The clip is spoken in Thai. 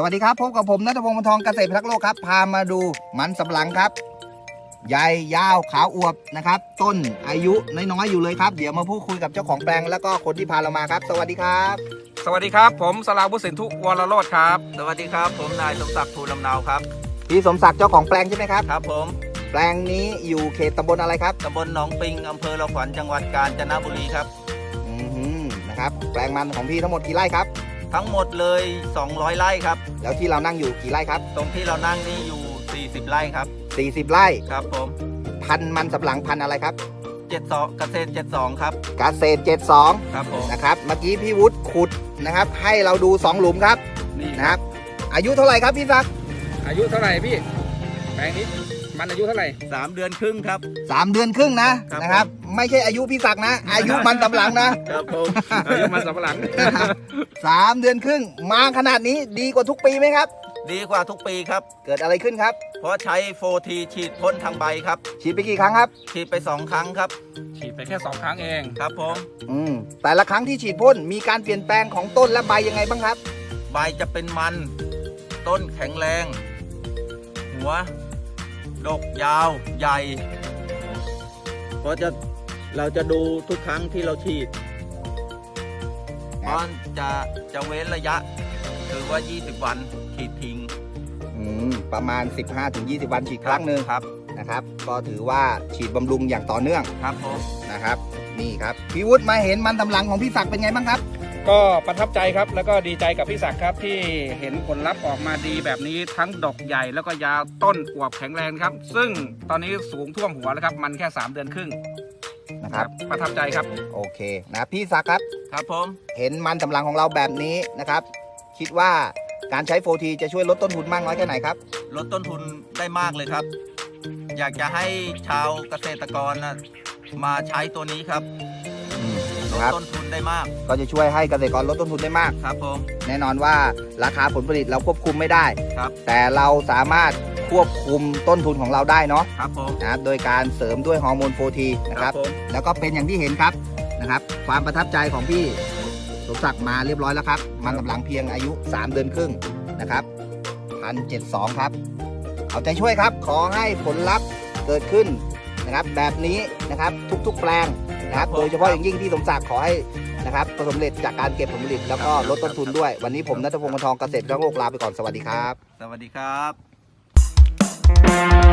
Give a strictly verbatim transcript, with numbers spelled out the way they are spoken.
วัสดีครับพบกับผมณัฐพงศ์ วรรณทองเกษตรพิทักษ์โลกครับพามาดูมันสำปะหลังครับใหญ่ยาวขาวอวบนะครับต้นอายุน้อยๆอยู่เลยครับเดี๋ยวมาพูดคุยกับเจ้าของแปลงแล้วก็คนที่พาเรามาครับสวัสดีครับสวัสดีครับผมสราวุฒิสินทุวรโรจน์ครับสวัสดีครับผมนายสมศักดิ์ภูลำเนาครับพี่สมศักดิ์เจ้าของแปลงใช่ไหมครับครับผมแปลงนี้อยู่เขตตำบลอะไรครับตำบลหนองปิงอำเภอละขวัญจังหวัดกาญจนบุรีครับอืมนะครับแปลงมันของพี่ทั้งหมดกี่ไร่ครับทั้งหมดเลยสองร้อยไร่ครับแล้วที่เรานั่งอยู่กี่ไร่ครับตรงที่เรานั่งนี่อยู่สี่สิบไร่ครับสี่สิบไร่ครับผมพันธุ์มันสำปะหลังพันธุ์อะไรครับเจ็ดสองเกษตรเจ็ดสองครับเกษตรเจ็ดสองครับผมนะครับเมื่อกี้พี่วุฒิขุดนะครับให้เราดูสองหลุมครับนี่นะครับอายุเท่าไหร่ครับพี่ศักดิ์อายุเท่าไหร่พี่แปลงนี้มันอายุเท่าไหร่สามเดือนครึ่งครับสามเดือนครึ่งนะนะครับไม่ใช่อายุพี่ศักดิ์นะอายุมันสำปะหลังนะครับผมอายุมันสำปะหลังสามเดือนครึ่งมาขนาดนี้ดีกว่าทุกปีไหมครับดีกว่าทุกปีครับเกิดอะไรขึ้นครับเพราะใช้โฟทีฉีดพ่นทางใบครับฉีดไปกี่ครั้งครับฉีดไปสองครั้งครับฉีดไปแค่สองครั้งเองครับผมอืมแต่ละครั้งที่ฉีดพ่นมีการเปลี่ยนแปลงของต้นและใบยังไงบ้างครับใบจะเป็นมันต้นแข็งแรงหัวดกยาวใหญ่เพราะจะเราจะดูทุกครั้งที่เราฉีดเพราะจะจะเว้นระยะคือว่ายี่สิบวันฉีดทิ้งอืมประมาณ สิบห้าถึงยี่สิบ วันฉีดครั้งหนึ่งครับนะครับก็ถือว่าฉีดบำรุงอย่างต่อเนื่องครับผมนะครับนี่ครับพี่วุฒิมาเห็นมันสำปะหลังของพี่ศักดิ์เป็นไงบ้างครับก็ประทับใจครับแล้วก็ดีใจกับพี่ศักดิ์ครับที่เห็นผลลัพธ์ออกมาดีแบบนี้ทั้งดอกใหญ่แล้วก็ยาวต้นอวบแข็งแรงครับซึ่งตอนนี้สูงท่วมหัวแล้วครับมันแค่สามเดือนครึ่งนะครับประทับใจครับโอเคนะพี่ศักดิ์ครับครับผมเห็นมันสำปะหลังของเราแบบนี้นะครับคิดว่าการใช้โฟทีจะช่วยลดต้นทุนมากน้อยแค่ไหนครับลดต้นทุนได้มากเลยครับอยากจะให้ชาวเกษตรกรนะมาใช้ตัวนี้ครับลดต้นทุนได้มากก็จะช่วยให้เกษตรกรลดต้นทุนได้มากครับผมแน่นอนว่าราคาผลผลิตเราควบคุมไม่ได้ครับแต่เราสามารถควบคุมต้นทุนของเราได้เนาะครับผมนะครับโดยการเสริมด้วยฮอร์โมนโฟทีนะครับแล้วก็เป็นอย่างที่เห็นครับนะครับความประทับใจของพี่สมศักดิ์มาเรียบร้อยแล้วครับมันสำปะหลังเพียงอายุสามเดือนครึ่งนะครับพันเจ็ดสองครับเอาใจช่วยครับขอให้ผลลัพธ์เกิดขึ้นนะครับแบบนี้นะครับทุกๆแปลงนะครับโดยเฉพาะอย่างยิ่งที่สมศักดิ์ขอให้นะครับประสบความสำเร็จจากการเก็บผลผลิตแล้วก็ลดต้นทุนด้วยวันนี้ผมณัฐพงศ์ วรรณทองเกษตรพิทักษ์โลกลาไปก่อนสวัสดีครับสวัสดีครับ